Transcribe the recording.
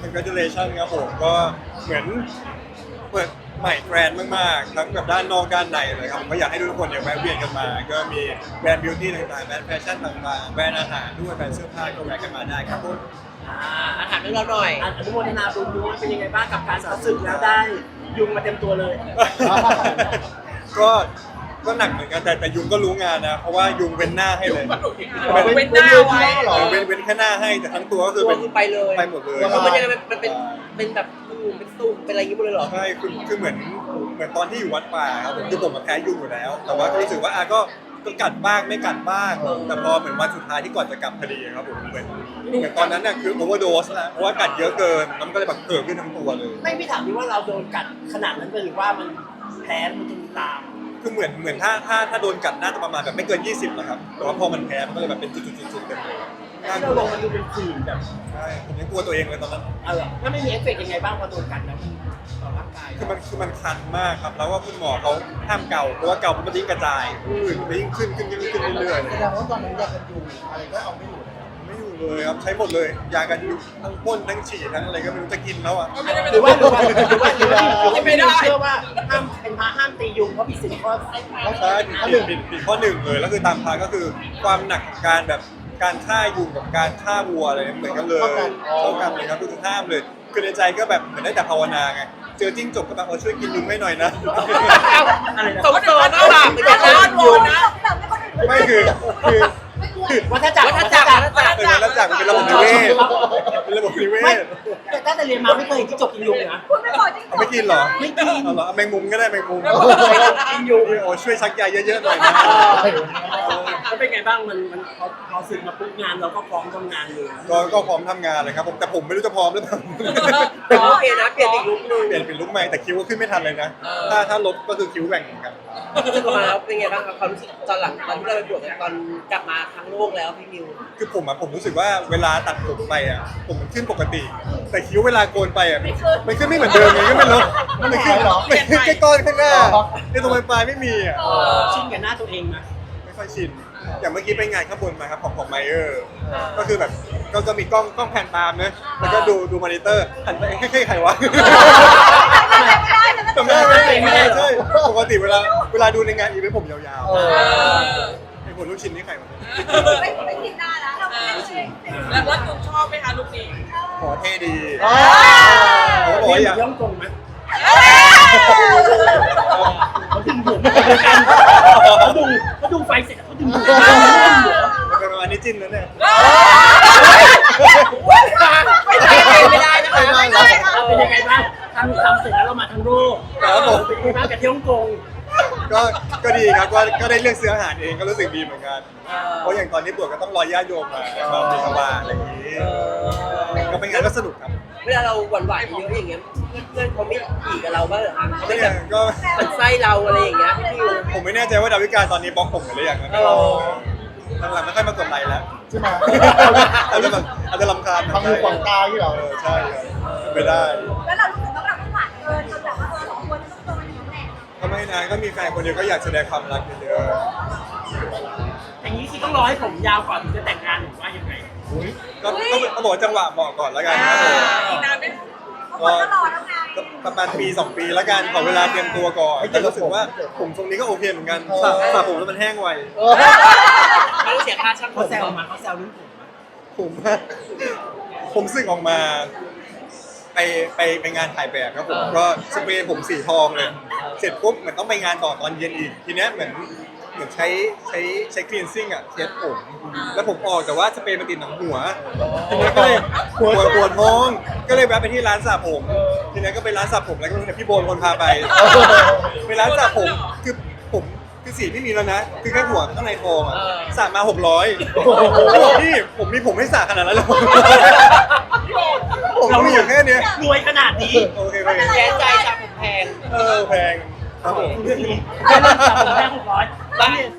congratulation ครับผมก็เหมือนเปิดใหม่แบรนด์มากๆทั้งแบบด้านนอกด้านในเลยครับผมก็อยากให้ทุกคนเนี่ยแวะเวียนกันมาก็มีแบรนด์บิวตี้ต่างๆแบรนด์แฟชั่นต่างๆแบรนด์อาหารด้วยแบรนด์เสื้อผ้าก็แวะกันมาได้ครับผมอาถามเรื่องเราหน่อยอนุโมทนาบุญด้วยเป็นยังไงบ้างกับการสอบศึกแล้วได้ยุงมาเต็มตัวเลยก็หนักเหมือนกันแต่ยุงก็รู้งานนะเพราะว่ายุงเว้นหน้าให้เลยเป็นหน้าไว้เว้นแค่หน้าให้แต่ทั้งตัวก็คือตัวคือไปเลยไปหมดเลยแล้วมันยังไงมันเป็นแบบเป็นตุ่มเป็นอะไรอย่างงี้หมดเลยเหรอใช่คือเหมือนตอนที่อยู่วัดป่าครับผมคือผมมาแพ้ยุงอยู่แล้ว แต่ว่าก็รู้สึกว่าก็กัดบ้างไม่กัดบ้างแต่พอเหมือนวันสุดท้ายที่ก่อนจะกลับพอดีครับผมเหมือนตอนนั้นน่ะคือโอเวอร์โดสนะเพราะว่ากัดเยอะเกินแล้วมันก็เลยแบบเกิดขึ้นทั้งตัวเลยไม่พี่ถามดิว่าเราโดนกัดขนาดนั้นหรือว่ามันแพ้มันจนตามคือเหมือนถ้าโดนกัดน่าจะประมาณแบบไม่เกิน 20นะครับแต่ว่าพอมันแพ้มันก็เลยแบบเป็นจุดๆๆเต็มเลยที่เราลงมันดูเป็นผื่นแบบใช่ผมยังกลัวตัวเองเลยตอนนั้นถ้าไม่มีเอฟเฟกต์ยังไงบ้างพอโดนกัดแล้วมันต่อร่างกายคือมันคันมากครับแล้วว่าคุณหมอเขาห้ามเกาเพราะว่าเกามันยิ่งกระจายมันยิ่งขึ้นเรื่อยแสดงว่าตอนนั้นยากันยุงอะไรก็เอาไม่อยู่เลยๆไม่อยู่เลยครับใช้หมดเลยยากันยุงทั้งพ่นทั้งฉีดทั้งอะไรก็ไม่รู้จะกินแล้วอ่ะหรือว่าไม่ได้เชื่อว่าห้ามเป็นพระห้ามตียุงเพราะผิดศีลข้อใช่ผิดข้อหนึ่งเลยแล้วคือตามพาก็คือความหนักของการแบบการฆ่ายุงกับการฆ่าวัวอะไรเหมือนกันเลยเท่ากันเลยครับคือห้ามเลยคือในใจก็แบบเหมือนได้แต่ภาวนาไงเจอจิ้งจกก็แบบช่วยกินยุงให้หน่อยนะสมโดนบาปเหมือนกันนะอยู่นะไม่คือวัฏจักรเป็นระจักรเป็นระบบนิเวศเป็นระบบนิเวไม่ศแต่ตั้งแต่เรียนมาไม่เคยเห็นที่จบกินยุงนะคุณไม่พอจริงเอาไม่กินเหรอไม่กินเอาเหรอเอาแมงมุมก็ได้แมงมุมกินยุงโอ้ช่วยชักใยเยอะๆหน่อยนะแล้วเป็นไงบ้างมันพอสึกมาปุ๊บงานเราก็พร้อมทำงานเลยก็พร้อมทำงานเลยครับผมแต่ผมไม่รู้จะพร้อมหรือเปล่าโอเคนะเปลี่ยนอีกลุคนึงเปลี่ยนเป็นลุคใหม่แต่คิ้วก็ขึ้นไม่ทันเลยนะ ถ้าลดก็คือคิ้วแหว่งเหมือนกันจะมาแล้วเป็นไงบ้างครับความรู้สึกตอนหลังตอนที่เราไปบวชกันตอนกลับมาทั้งโลกแล้วพี่มิวคือผมรู้สึกว่าเวลาตัดผมไปอ่ะผมมันขึ้นปกติ แต่คิ้วเวลาโกนไปอ่ะมันขึ้นไม่เหมือนเดิมไงก็ไม่รู้มันขึ้นแค่ก้อนข้างหน้าในตรงปลายไม่มีอ่ะชินกับหน้าตัวเองนะไม่ค่อยชินอย่างเมื่อกี้ไปงานข้างบนมาครับของไมเออร์ก็คือแบบก็มีกล้องแผ่นตามนะแล้วก็ดูมอนิเตอร์หันไปใครวะจำได้ไหมใช่ปกติเวลาดูในงานอีเวนต์ผมยาวๆไอ้คนลูกชิ้นนี่ใครวะไม่คิดหน้านะเราไม่ใช่แล้วคุณชอบไหมคะลุคนี้ขอเท่ดีเขาเขาบอกว่าอยากย่องกงไหม เขาดึงหัวเขาดูไฟเสร็จเขาดึงหัวเป็นประมาณนี้จิ้นแล้วเนี่ยไม่ได้นะคะเป็นยังไงบ้างทำเสร็จแล้วเรามาทั้งโลกเป็นยังไงบ้างกับที่ฮ่องกงก็ดีครับก็ได้เลือกซื้ออาหารเองก็รู้สึกดีเหมือนกันเพราะอย่างตอนนี้บวชก็ต้องรอญาติโยมมาบิณฑบาตอะไรอย่างนี้ก็เป็นงานก็สนุกครับเวลาเราหวั่นๆเยอะอย่างเงี้ยเพื่อนเขาไม่ขี่กับเราบ้างเหรอคะเขาไม่เนี่แบยบก็มันไส้เราอะไรอย่างเงี้ยพี่มิวผมไม่แน่ใจว่าดาวิกาตอนนี้บล็อกผมหรือยังนะหลังๆไม่ค่อยมากดไลค์แล้วใช่ไหมอาจจะรำคาญทำมือขวางตาที่เราใช่ไม่ได้แล้วเรารู้สึกว่าเราไม่หวานเกินจนแบบว่าสองคนต้องโดนอย่างนี้แหละก็ไม่นานก็มีแฟนคนเดียวก็อยากแสดงความรักเยอะอย่างนี้คือต้องรอให้ผมยาวก่อนถึงจะแต่งงานหรือว่ายังไงๆก็บอกจังหวะเหมาะก่อนแล้วกันครับผมอีกนานไหมเพราะคนก็รอแล้วไงก็ประมาณปี 2 ปีแล้วกันขอเวลาเตรียมตัวก่อนแต่รู้สึกว่าผมทรงนี้ก็โอเคเหมือนกันสระผมแล้วมันแห้งไวไม่ต้องเสียค่าช่างผเขามแซวมาเขาแซวรุ่นผมมาผมสึกออกมาไปงานถ่ายแบบครับผมก็สเปรย์ผมสีทองเลยเสร็จปุ๊บเหมือนต้องไปงานต่อตอนเย็นอีกทีเนี้ยเหมือนใช้คลีนซิ่งอ่ะเช็ดผมแล้วผมออกแต่ว่าสเปรย์มันติดหนังหัวทีนี้ก็เลยปวดท้องก็เลยแวะไปที่ร้านสระผมทีนี้ก็ไปร้านสระผมแล้วก็พี่โบนคนพาไปไปร้านสระผมคือผมคือสีไม่มีแล้วนะคือแค่หัวข้างในทองอ่ะสระมา600บอกพี่ผมมีผมให้สระขนาดนั้นเลยผมมีอยู่แค่เนี้ยรวยขนาดนี้โอเคไปแย่ใจจากผมแพงแพงครับผมเรื่องนี้ได้เรื่องจากผมแค่600 บ้าน